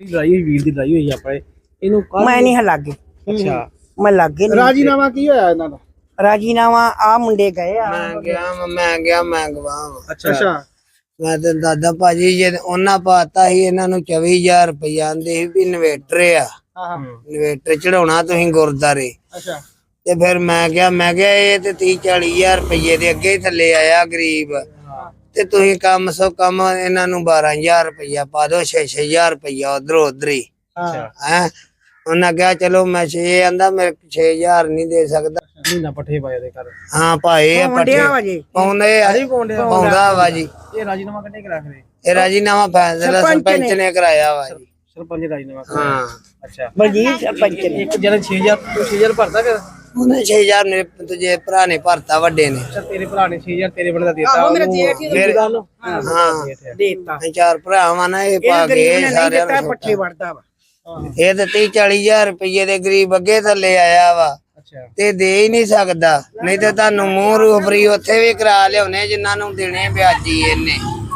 ਲੜਾਈ ਵੀਰ ਦੀ ਲੜਾਈ ਹੋਈ ਆਪਾਂ ਇਹਨੂੰ ਮੈਂ ਨਹੀਂ ਲਾਗੇ। ਅੱਛਾ ਮੈਂ ਲਾਗੇ ਨਹੀਂ। ਰਾਜੀਨਾਮਾ ਕੀ ਹੋਇਆ ਇਹਨਾਂ ਦਾ? ਰਾਜੀਨਾਮਾ ਆ ਮੁੰਡੇ ਗਏ ਆ। ਮੈਂ ਗਵਾਹ। ਅੱਛਾ ਮੈਂ ਤੇ ਦਾਦਾ ਭਾਜੀ ਜੇ ਉਹਨਾਂ ਪਾਤਾ ਸੀ ਇਹਨਾਂ ਨੂੰ 24,000 ਰੁਪਇਆ ਆਂਦੇ ਸੀ ਵੀ ਇਨਵੇਟਰ ਆ, ਹਾਂ ਇਨਵੇਟਰ ਚੜਾਉਣਾ ਤੁਸੀਂ ਗੁਰਦਾਰੇ। ਅੱਛਾ ਤੇ ਫਿਰ ਮੈਂ ਕਿਹਾ ਇਹ ਤੇ 30-40,000 ਰੁਪਏ ਦੇ ਅੱਗੇ ਹੀ ਥੱਲੇ ਆਇਆ ਗਰੀਬ, ਤੇ ਤੁਸੀਂ ਕਮ ਸੋ ਕਮ ਇਹਨਾਂ ਨੂੰ 12,000 ਰੁਪਇਆ ਪਾ ਦੋ, 6,000 ਰੁਪਇਆ ਉਧਰੋਂ ਉਧਰ ਹੀ ਹੈ। ਉਹਨਾਂ ਕਿਹਾ ਚਲੋ ਮੈਂ 6 ਆਂਦਾ ਮੇਰੇ 6,000 ਨਹੀਂ ਦੇ ਸਕਦਾ। ਮਹੀਨਾ ਪੱਠੇ ਪਾਏ ਦੇ ਘਰ। ਹਾਂ ਭਾਈ ਪੱਠੇ ਪਾਉਂਦਾ ਵਾ ਜੀ। ਇਹ ਰਾਜੀਨਾਮਾ ਕਿੰਨੇ ਕਰਾ ਖਰੇ? ਇਹ ਰਾਜੀਨਾਮਾ ਫੈਸਲਾ ਸਰਪੰਚ ਨੇ ਕਰਾਇਆ ਵਾ ਜੀ। ਸਰਪੰਚ ਰਾਜੀਨਾਮਾ। ਹਾਂ ਅੱਛਾ ਬਲਜੀਤ ਸਰਪੰਚ ਨੇ। ਇੱਕ ਜਣਾ 6,000 ਭਰਦਾ ਫਿਰ ਉਹਨੇ 6,000 ਮੇਰੇ ਤੁਝੇ ਭਰਾ ਨੇ ਭਰਤਾ ਵੱਡੇ ਨੇ। ਅੱਛਾ ਤੇਰੇ ਭਰਾ ਨੇ 6,000 ਤੇਰੇ ਬੜੇ ਦਾ ਦਿੱਤਾ। ਮੇਰਾ ਜੇਠ ਹਾਂ ਦੇਤਾ। ਚਾਰ ਭਰਾਵਾਂ ਨੇ ਇਹ ਪਾ ਕੇ ਸਾਰਿਆਂ ਨੂੰ ਪੱਠੇ ਵੜਦਾ ਵਾ। ਇਹ ਤੇ 30-40,000 ਰੁਪਏ ਦੇ ਗਰੀਬ ਅੱਗੇ ਥੱਲੇ ਆਇਆ ਵਾ ਤੇ ਦੇ ਹੀ ਨਹੀਂ ਸਕਦਾ। ਨਹੀਂ ਤੇ ਤੁਹਾਨੂੰ ਮੂੰਹ ਰੂਬਰੀ ਉੱਥੇ ਵੀ ਕਰਾ ਲਿਆਉਣੇ ਜਿਨ੍ਹਾਂ ਨੂੰ ਦੇਣੇ ਵਿਆਜੀ ਇਹਨੇ।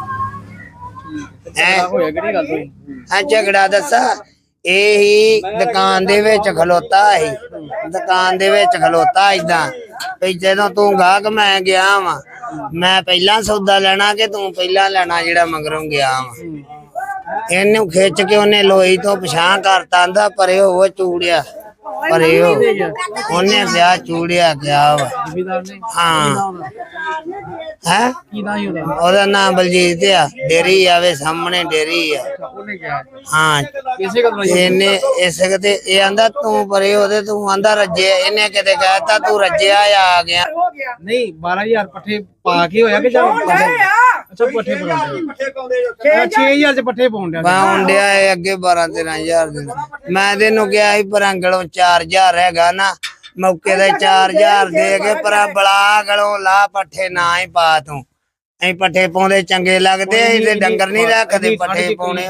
ਹੋਇਆ ਕਿਹੜੀ ਗੱਲ ਹੋਈ? ਹਾਂ ਝਗੜਾ ਦੱਸਾ ਇਹ ਹੀ ਦੁਕਾਨ ਦੇ ਵਿੱਚ ਖਲੋਤਾ ਸੀ, ਦੁਕਾਨ ਦੇ ਵਿੱਚ ਖਲੋਤਾ ਏਦਾਂ ਵੀ ਜਦੋਂ ਤੂੰ ਗਾਹਕ ਮੈਂ ਗਿਆ ਵਾ, ਮੈਂ ਪਹਿਲਾਂ ਸੌਦਾ ਲੈਣਾ ਕਿ ਤੂੰ ਪਹਿਲਾਂ ਲੈਣਾ ਜਿਹੜਾ ਮਗਰੋਂ ਗਿਆ ਵਾ। ਇਹਨੂੰ ਖਿੱਚ ਕੇ ਉਹਨੇ ਲੋਈ ਤੋਂ ਪਛਾਣ ਕਰਤਾ, ਆਂਦਾ ਪਰੇ ਉਹ ਚੂੜਿਆ ਪਰੇ ਉਹਨੇ ਵਿਆਹ ਚੂੜਿਆ ਗਿਆ ਵਾ। ਹਾਂ ਹੈ ਉਹਦਾ ਨਾਮ ਬਲਜੀਤ ਆ, ਡੇਰੀ ਆਵੇ ਸਾਹਮਣੇ ਡੇਰੀ ਆ। ਹਾਂ ਇਹਨੇ ਇਸ ਤੇ ਇਹ ਆਂਦਾ ਤੂੰ ਪਰੇ ਉਹਦੇ, ਤੂੰ ਆਂਦਾ ਰੱਜਿਆ। ਇਹਨੇ ਕਿਤੇ ਕਹਿਤਾ ਤੂੰ ਰੱਜਿਆ ਆ ਗਿਆ। ਨਹੀਂ 12,000 ਪੱਠੇ ਪਾ ਕੇ ਹੋਇਆ ਕਿ ਜਾਂ ਅੱਛਾ ਪੱਠੇ ਪਾਉਂਦੇ 6,000 ਚ ਪੱਠੇ ਪਾਉਂਦਿਆ ਇਹ ਅੱਗੇ 12-13,000 ਦੇ। ਮੈਂ ਤੈਨੂੰ ਕਿਹਾ ਸੀ ਪਰਾਂਗਲੋਂ 4,000 ਹੈਗਾ ਨਾ, ਮੌਕੇ ਦੇ 4,000 ਦੇ ਕੇ ਪਰਾਂ ਬਲਾ ਗਲੋਂ ਲਾ ਪੱਠੇ ਨਾ ਹੀ ਪਾ ਤੂੰ। ਅਸੀਂ ਪੱਠੇ ਪਾਉਂਦੇ ਚੰਗੇ ਲੱਗਦੇ, ਤੇ ਡੰਗਰ ਨਹੀਂ ਰੱਖਦੇ ਪੱਠੇ ਪਾਉਣੇ।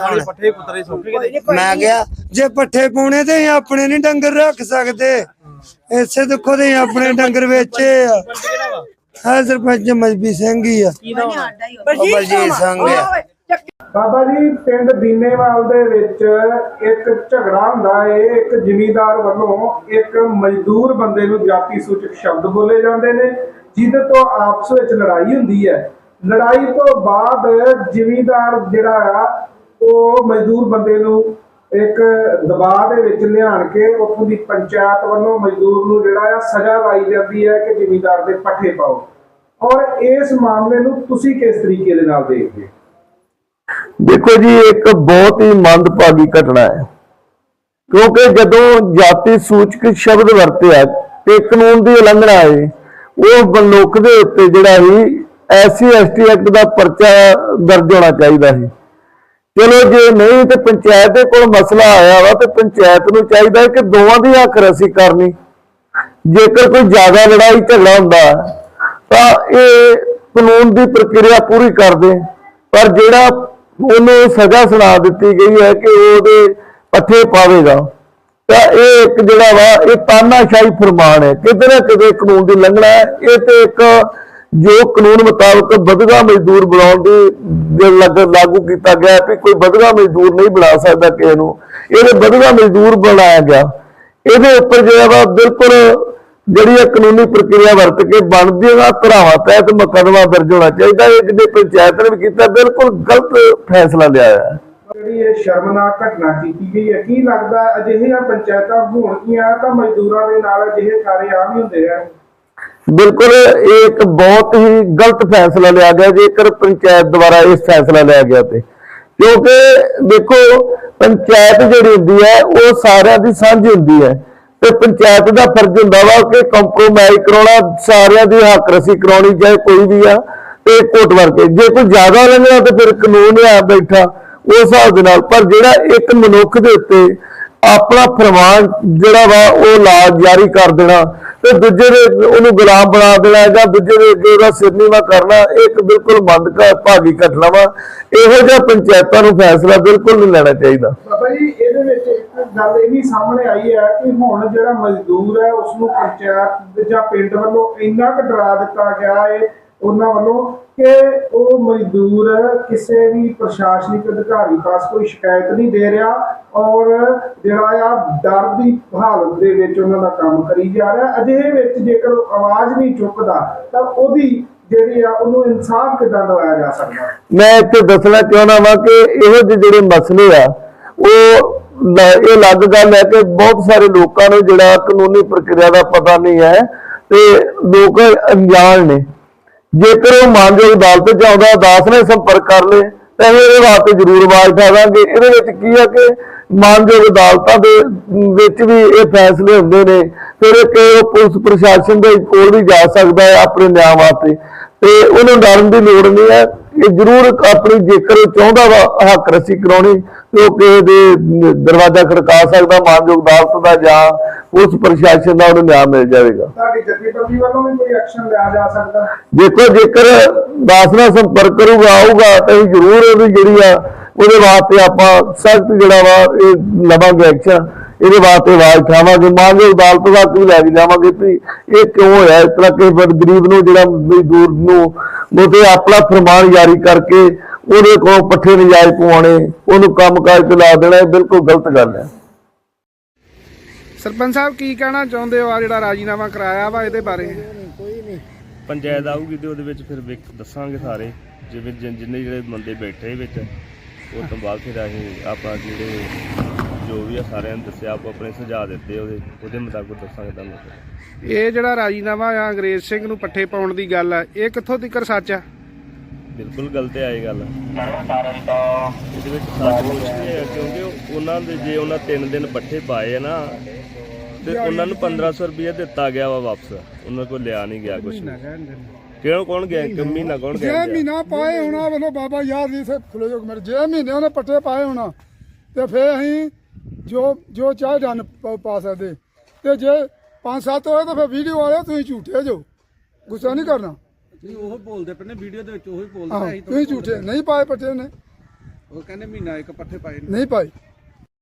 ਮੈਂ ਕਿਹਾ ਜੇ ਪੱਠੇ ਪਾਉਣੇ ਤੇ ਆਪਣੇ ਨੀ ਡੰਗਰ ਰੱਖ ਸਕਦੇ, ਇਸੇ ਦੁੱਖੋਂ ਦੇ ਆਪਣੇ ਡੰਗਰ ਵੇਚੇ ਆ। ਹਾਂ ਸਰਪੰਚ ਮਜਬੀ ਸਿੰਘ ਹੀ ਆ, ਬਲਜੀਤ ਸਿੰਘ ਆ। ਬਾਬਾ ਜੀ ਪਿੰਡ ਦੀਨੇਵਾਲ ਦੇ ਵਿੱਚ ਇੱਕ ਝਗੜਾ ਹੁੰਦਾ ਏ। ਇੱਕ ਜ਼ਿਮੀਂਦਾਰ ਵੱਲੋਂ ਇੱਕ ਮਜ਼ਦੂਰ ਬੰਦੇ ਨੂੰ ਜਾਤੀ ਸੂਚਕ ਸ਼ਬਦ ਬੋਲੇ ਜਾਂਦੇ ਨੇ, ਜਿਹਦੇ ਤੋਂ ਆਪਸ ਵਿੱਚ ਲੜਾਈ ਹੁੰਦੀ ਹੈ। ਲੜਾਈ ਤੋਂ ਬਾਅਦ ਜ਼ਿਮੀਂਦਾਰ ਜਿਹੜਾ ਆ ਉਹ ਮਜ਼ਦੂਰ ਬੰਦੇ ਨੂੰ ਇੱਕ ਦਬਾਅ ਦੇ ਵਿੱਚ ਲਿਆਣ ਕੇ ਉੱਥੋਂ ਦੀ ਪੰਚਾਇਤ ਵੱਲੋਂ ਮਜ਼ਦੂਰ ਨੂੰ ਜਿਹੜਾ ਆ ਸਜ਼ਾ ਲਾਈ ਜਾਂਦੀ ਹੈ ਕਿ ਜ਼ਿਮੀਂਦਾਰ ਦੇ ਪੱਠੇ ਪਾਓ। ਔਰ ਇਸ ਮਾਮਲੇ ਨੂੰ ਤੁਸੀਂ ਕਿਸ ਤਰੀਕੇ ਦੇ ਨਾਲ ਦੇਖਦੇ? देखो जी एक बहुत ही मंदभागी घटना है, क्योंकि जदों जाति सूचक शब्द वरतिया ते कानून की उलंघना है, वो मनुख के उत्ते जिहड़ा ही SC/ST एक्ट का परचा दर्ज होना चाहिए है। चलो जे नहीं तो पंचायत को मसला आया वा तो पंचायत को चाहिए कि दोवां दी हक रसी करनी। जेकर कोई ज्यादा लड़ाई झगड़ा हुंदा तां इह कानून की प्रक्रिया पूरी कर दे, पर जिहड़ा ਉਹਨੂੰ ਸਜ਼ਾ ਸੁਣਾ ਦਿੱਤੀ ਗਈ ਹੈ ਕਿ ਉਹਦੇ ਪੱਠੇ ਪਾਵੇਗਾ, ਤਾਂ ਇਹ ਇੱਕ ਜਿਹੜਾ ਵਾ ਇਹ ਤਾਨਾਸ਼ਾਹੀ ਫਰਮਾਨ ਹੈ, ਕਿਤੇ ਨਾ ਕਿਤੇ ਕਾਨੂੰਨ ਦੀ ਉਲੰਘਣਾ ਹੈ। ਇਹ ਤੇ ਇੱਕ ਜੋ ਕਾਨੂੰਨ ਮੁਤਾਬਕ ਵਧਗਾ ਮਜ਼ਦੂਰ ਬਣਾਉਣ ਦੀ ਲਾਗੂ ਕੀਤਾ ਗਿਆ ਕਿ ਕੋਈ ਵਧਗਾ ਮਜ਼ਦੂਰ ਨਹੀਂ ਬਣਾ ਸਕਦਾ ਕਿਸੇ ਨੂੰ, ਇਹਦੇ ਵਧਗਾ ਮਜ਼ਦੂਰ ਬਣਾਇਆ ਗਿਆ। ਇਹਦੇ ਉੱਪਰ ਜਿਹੜਾ ਵਾ ਬਿਲਕੁਲ ਜਿਹੜੀ ਕਾਨੂੰਨੀ ਪ੍ਰਕਿਰਿਆ ਵਰਤ ਕੇ ਬਣਦੀਆਂ ਧਾਰਾਵਾਂ ਤਹਿਤ ਮੁਕੱਦਮਾ ਦਰਜ ਹੋਣਾ ਚਾਹੀਦਾ। ਇਹ ਜਿਹੜੇ ਪੰਚਾਇਤ ਨੇ ਵੀ ਕੀਤਾ ਬਿਲਕੁਲ ਗਲਤ ਫੈਸਲਾ ਲਿਆ ਹੈ। ਜਿਹੜੀ ਇਹ ਸ਼ਰਮਨਾਕ ਘਟਨਾ ਕੀਤੀ ਗਈ ਹੈ, ਕੀ ਲੱਗਦਾ ਅਜਿਹੀਆਂ ਪੰਚਾਇਤਾਂ ਹੋਣਗੀਆਂ ਤਾਂ ਮਜ਼ਦੂਰਾਂ ਦੇ ਨਾਲ ਅਜਿਹੇ ਸਾਰੇ ਆਮ ਹੀ ਹੁੰਦੇ ਰਹਿਣ? ਬਿਲਕੁਲ ਇਹ ਇੱਕ ਬਹੁਤ ਹੀ ਗਲਤ ਫੈਸਲਾ ਲਿਆ ਗਿਆ ਜੇਕਰ ਪੰਚਾਇਤ ਦੁਆਰਾ ਇਹ ਫੈਸਲਾ ਲਿਆ ਗਿਆ ਤੇ, ਕਿਉਂਕਿ ਦੇਖੋ ਪੰਚਾਇਤ ਜਿਹੜੀ ਹੁੰਦੀ ਹੈ ਉਹ ਸਾਰਿਆਂ ਦੀ ਸਾਂਝੀ ਹੁੰਦੀ ਹੈ ਤੇ ਪੰਚਾਇਤ ਦਾ ਫਰਜ਼ ਹੁੰਦਾ ਵਾ ਕਿ ਕੰਪਰੋਮਾਈਜ਼ ਕਰਾਉਣਾ, ਸਾਰਿਆਂ ਦੀ ਹੱਕ ਰਸੀ ਕਰਾਉਣੀ, ਚਾਹੇ ਕੋਈ ਵੀ ਆ ਤੇ ਘੁੱਟ ਵਰ ਕੇ। ਜੇ ਕੋਈ ਜ਼ਿਆਦਾ ਲੰਘਿਆ ਤੇ ਫਿਰ ਕਾਨੂੰਨ ਆ ਬੈਠਾ ਉਸ ਹਿਸਾਬ ਦੇ ਨਾਲ, ਪਰ ਜਿਹੜਾ ਇੱਕ ਮਨੁੱਖ ਦੇ ਉੱਤੇ ਆਪਣਾ ਫਰਮਾਨ ਜਿਹੜਾ ਵਾ ਉਹ ਲਾ ਜਾਰੀ ਕਰ ਦੇਣਾ ਤੇ ਦੂਜੇ ਦੇ ਉਹਨੂੰ ਗੁਲਾਮ ਬਣਾ ਦੇਣਾ ਜਾਂ ਦੂਜੇ ਦੇ ਅੱਗੇ ਉਹਦਾ ਸਿਰ ਨੀਵਾਂ ਕਰਨਾ, ਇੱਕ ਬਿਲਕੁਲ ਮੰਦਭਾਗੀ ਘਟਨਾ ਵਾ। ਇਹੋ ਜਿਹਾ ਪੰਚਾਇਤਾਂ ਨੂੰ ਫੈਸਲਾ ਬਿਲਕੁਲ ਨਹੀਂ ਲੈਣਾ ਚਾਹੀਦਾ। ਬਾਬਾ ਜੀ ਇਹਦੇ ਵਿੱਚ ਇੱਕ ਗੱਲ ਇਹ ਵੀ ਸਾਹਮਣੇ ਆਈ ਹੈ ਕਿ ਹੁਣ ਜਿਹੜਾ ਮਜ਼ਦੂਰ ਹੈ ਉਸਨੂੰ ਪੰਚਾਇਤ ਜਾਂ ਪਿੰਡ ਵੱਲੋਂ ਇੰਨਾ ਕੁ ਡਰਾ ਦਿੱਤਾ ਗਿਆ ਹੈ ਉਹਨਾਂ ਵੱਲੋਂ ਕਿ ਉਹ ਮਜ਼ਦੂਰ ਕਿਸੇ ਵੀ ਪ੍ਰਸ਼ਾਸਨਿਕ ਅਧਿਕਾਰੀ ਪਾਸ ਕੋਈ ਸ਼ਿਕਾਇਤ ਨਹੀਂ ਦੇ ਰਿਹਾ ਔਰ ਜਿਹੜਾ ਆ ਡਰ ਦੀ ਹਾਲਤ ਦੇ ਵਿੱਚ ਉਹਨਾਂ ਦਾ ਕੰਮ ਕਰੀ ਜਾ ਰਿਹਾ। ਅਜਿਹੇ ਵਿੱਚ ਜੇਕਰ ਉਹ ਆਵਾਜ਼ ਨਹੀਂ ਚੁੱਕਦਾ ਤਾਂ ਉਹਦੀ ਜਿਹੜੀ ਆ ਉਹਨੂੰ ਇਨਸਾਫ ਕਿੱਦਾਂ ਦਿਵਾਇਆ ਜਾ ਸਕਦਾ? ਮੈਂ ਇੱਥੇ ਦੱਸਣਾ ਚਾਹੁੰਦਾ ਵਾਂ ਕਿ ਇਹੋ ਜਿਹੇ ਜਿਹੜੇ ਮਸਲੇ ਆ ਉਹ ਇਹ ਅਲੱਗ ਗੱਲ ਹੈ ਕਿ ਬਹੁਤ ਸਾਰੇ ਲੋਕਾਂ ਨੂੰ ਜਿਹੜਾ ਕਾਨੂੰਨੀ ਪ੍ਰਕਿਰਿਆ ਦਾ ਪਤਾ ਨਹੀਂ ਹੈ ਤੇ ਲੋਕ ਅਣਜਾਣ ਨੇ। ਜੇਕਰ ਉਹ ਮਾਨਯੋਗ ਅਦਾਲਤ ਚ ਆਉਂਦਾ ਅਦਾਲਤ ਨਾਲ ਸੰਪਰਕ ਕਰ ਲੇ ਤਾਂ ਇਹਦੇ ਵਾਸਤੇ ਜ਼ਰੂਰ ਆਵਾਜ਼ ਉਠਾਵਾਂਗੇ। ਇਹਦੇ ਵਿੱਚ ਕੀ ਹੈ ਕਿ ਮਾਨਯੋਗ ਅਦਾਲਤਾਂ ਦੇ ਵਿੱਚ ਵੀ ਇਹ ਫੈਸਲੇ ਹੁੰਦੇ ਨੇ, ਫਿਰ ਉਹ ਪੁਲਿਸ ਪ੍ਰਸ਼ਾਸਨ ਦੇ ਕੋਲ ਵੀ ਜਾ ਸਕਦਾ ਹੈ ਆਪਣੇ ਨਿਆਂ ਵਾਸਤੇ ਤੇ ਉਹਨੂੰ ਡਰਨ ਦੀ ਲੋੜ ਨਹੀਂ ਹੈ। ਇਹ ਜ਼ਰੂਰ ਆਪਣੀ ਜੇਕਰ ਉਹ ਚਾਹੁੰਦਾ ਵਾ ਹੱਕ ਰੱਸੀ ਕਰਾਉਣੀ ਤੇ ਉਹ ਕਿਸੇ ਦੇ ਦਰਵਾਜ਼ਾ ਖੜਕਾ ਸਕਦਾ ਮਾਨਯੋਗ ਅਦਾਲਤ ਦਾ ਜਾਂ ਉਸ ਪ੍ਰਸ਼ਾਸਨ ਦਾ, ਉਹਨੂੰ ਨਿਆਂ ਮਿਲ ਜਾਵੇਗਾ। ਤੁਹਾਡੀ ਜਥੇਬੰਦੀ ਵੱਲੋਂ ਵੀ ਕੋਈ ਐਕਸ਼ਨ ਲਿਆ ਜਾ ਸਕਦਾ? ਦੇਖੋ ਜੇਕਰ ਦਾਸ ਨਾਲ ਸੰਪਰਕ ਕਰੂਗਾ ਆਊਗਾ ਤਾਂ ਅਸੀਂ ਜ਼ਰੂਰ ਉਹਦੀ ਜਿਹੜੀ ਆ ਉਹਦੇ ਵਾਸਤੇ ਆਪਾਂ ਸਖਤ ਜਿਹੜਾ ਵਾ ਇਹ ਲਵਾਂਗੇ ਐਕਸ਼ਨ। ਇਹਦੇ ਵਾਸਤੇ ਆਵਾਜ਼ ਉਠਾਵਾਂਗੇ, ਮਾਨਯੋਗ ਅਦਾਲਤ ਤੱਕ ਵੀ ਲੈ ਕੇ ਜਾਵਾਂਗੇ ਵੀ ਇਹ ਕਿਉਂ ਹੋਇਆ ਇਸ ਤਰ੍ਹਾਂ। ਕਿਸੇ ਗਰੀਬ ਨੂੰ ਜਿਹੜਾ ਮਜ਼ਦੂਰ ਨੂੰ ਉਹਦੇ ਆਪਣਾ ਫਰਮਾਨ ਜਾਰੀ ਕਰਕੇ ਉਹਦੇ ਕੋਲ ਪੱਠੇ ਨਜਾਇਜ਼ ਪਵਾਉਣੇ, ਉਹਨੂੰ ਕੰਮਕਾਜ ਤੇ ਲਾ ਦੇਣਾ, ਇਹ ਬਿਲਕੁਲ ਗਲਤ ਗੱਲ ਹੈ। ਸਰਪੰਚ ਸਾਹਿਬ ਕੀ ਕਹਿਣਾ ਚਾਹੁੰਦੇ ਹੋ ਆ ਜਿਹੜਾ ਰਾਜੀਨਾਮਾ ਕਰਾਇਆ ਵਾ ਇਹਦੇ ਬਾਰੇ? ਪੰਚਾਇਤ ਆਊਗੀ ਤੇ ਉਹਦੇ ਵਿੱਚ ਫਿਰ ਦੱਸਾਂਗੇ ਸਾਰੇ ਜਿਵੇਂ ਜਿੰਨੇ ਜਿਹੜੇ ਬੰਦੇ ਬੈਠੇ ਵਿੱਚ ਉਹ ਤੋਂ ਬਾਅਦ ਫਿਰ ਅਸੀਂ ਆਪਾਂ ਜਿਹੜੇ ਜੋ ਵੀ ਆ ਸਾਰਿਆਂ ਨੂੰ ਦੱਸਿਆ ਆਪੋ ਆਪਣੇ ਸੁਝਾਅ ਦਿੱਤੇ ਉਹਦੇ ਮੁਤਾਬਕ ਦੱਸਾਂਗੇ ਤੁਹਾਨੂੰ। ਇਹ ਜਿਹੜਾ ਰਾਜੀਨਾਮਾ ਆ ਅੰਗਰੇਜ਼ ਸਿੰਘ ਨੂੰ ਪੱਠੇ ਪਾਉਣ ਦੀ ਗੱਲ ਆ, ਇਹ ਕਿੱਥੋਂ ਤੱਕ ਸੱਚ ਆ? ਬਿਲਕੁਲ ਗਲਤ ਹੈ ਇਹ ਗੱਲ। ਇਹਦੇ ਵਿੱਚ ਸੱਚ ਕੁਛ ਨਹੀਂ ਹੈ ਕਿਉਂਕਿ ਉਹਨਾਂ ਦੇ ਜੇ ਉਹਨਾਂ 3 ਦਿਨ ਪੱਠੇ ਪਾਏ ਆ ਨਾ ਤੇ ਉਹਨਾਂ ਨੂੰ 1500 ਰੁਪਏ ਦਿੱਤਾ ਗਿਆ ਵਾ ਵਾਪਸ, ਉਹਨਾਂ ਕੋਲ ਲਿਆ ਨਹੀਂ ਗਿਆ ਕੁਛ। ਕਿਉਂ ਕੌਣ ਗਿਆ? ਇੱਕ ਮਹੀਨਾ ਕੌਣ ਗਿਆ? 6 ਮਹੀਨਾ ਪਾਏ ਹੋਣਾ ਵੱਲੋਂ ਬਾਬਾ ਯਾਰ ਜੀ ਸੇ ਖੁੱਲੇ ਜੋ ਮੇਰੇ 6 ਮਹੀਨੇ ਉਹਨੇ ਪੱਠੇ ਪਾਏ ਹੋਣਾ ਤੇ ਫਿਰ ਅਸੀਂ ਜੋ ਚਾਹ ਡਨ ਪਾ ਸਕਦੇ ਤੇ ਜੇ 5-7 ਹੋਏ ਤਾਂ ਫਿਰ ਵੀਡੀਓ ਵਾਲੇ ਤੁਸੀਂ ਝੂਠੇ ਜੋ, ਗੁੱਸਾ ਨਹੀਂ ਕਰਨਾ। ਤੁਸੀਂ ਉਹ ਬੋਲਦੇ ਪਏ ਨੇ ਵੀਡੀਓ ਦੇ ਵਿੱਚ, ਉਹੀ ਬੋਲਦੇ ਤੁਸੀਂ ਝੂਠੇ ਨਹੀਂ ਪਾਏ ਪੱਠੇ ਨੇ, ਉਹ ਕਹਿੰਦੇ ਮਹੀਨਾ ਇੱਕ ਪੱਠੇ ਪਾਏ ਨਹੀਂ ਪਾਏ।